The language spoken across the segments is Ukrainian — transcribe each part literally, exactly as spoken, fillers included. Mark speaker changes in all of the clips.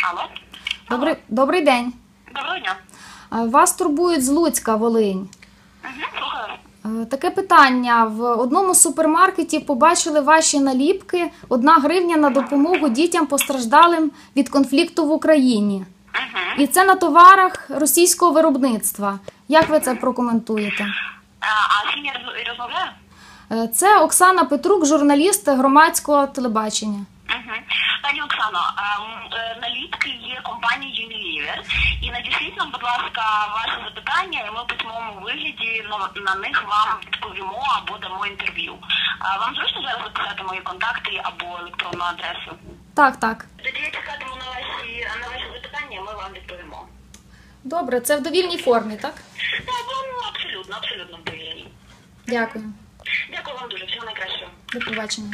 Speaker 1: Алло.
Speaker 2: Добрий, добрий день.
Speaker 1: Доброго дня.
Speaker 2: Е, Вас турбують з Луцька, Волинь.
Speaker 1: Угу, слухаю.
Speaker 2: Е, Таке питання. В одному з супермаркетів побачили ваші наліпки «Одна гривня на допомогу дітям постраждалим від конфлікту в Україні».
Speaker 1: Угу.
Speaker 2: І це на товарах російського виробництва. Як ви це прокоментуєте?
Speaker 1: А, а з ким я роз- розмовляю?
Speaker 2: Е, Це Оксана Петрук, журналіст громадського телебачення.
Speaker 1: Угу. Пані Оксано, ем, е, наліпки є компанії Unilever. І надішліть нам, будь ласка, ваше запитання, і ми в письмовому вигляді на, на них вам відповімо або дамо інтерв'ю. А вам зручно зараз записати мої контакти або електронну адресу?
Speaker 2: Так, так.
Speaker 1: Тоді я чекатиму на ваші, на ваші запитання, і ми вам відповімо.
Speaker 2: Добре, це в довільній формі, так?
Speaker 1: Так, ну, абсолютно, абсолютно вдовільні.
Speaker 2: Дякую.
Speaker 1: Дякую вам дуже, всього найкращого.
Speaker 2: До побачення.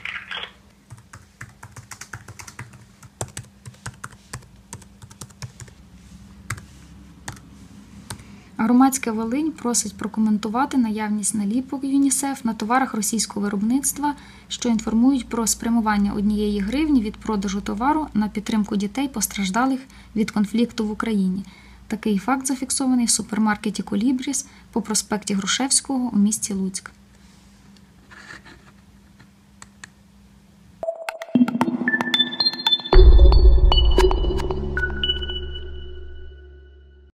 Speaker 2: Громадська Волинь просить прокоментувати наявність наліпок ЮНІСЕФ на товарах російського виробництва, що інформують про спрямування однієї гривні від продажу товару на підтримку дітей, постраждалих від конфлікту в Україні. Такий факт зафіксований в супермаркеті «Колібріс» по проспекті Грушевського у місті Луцьк.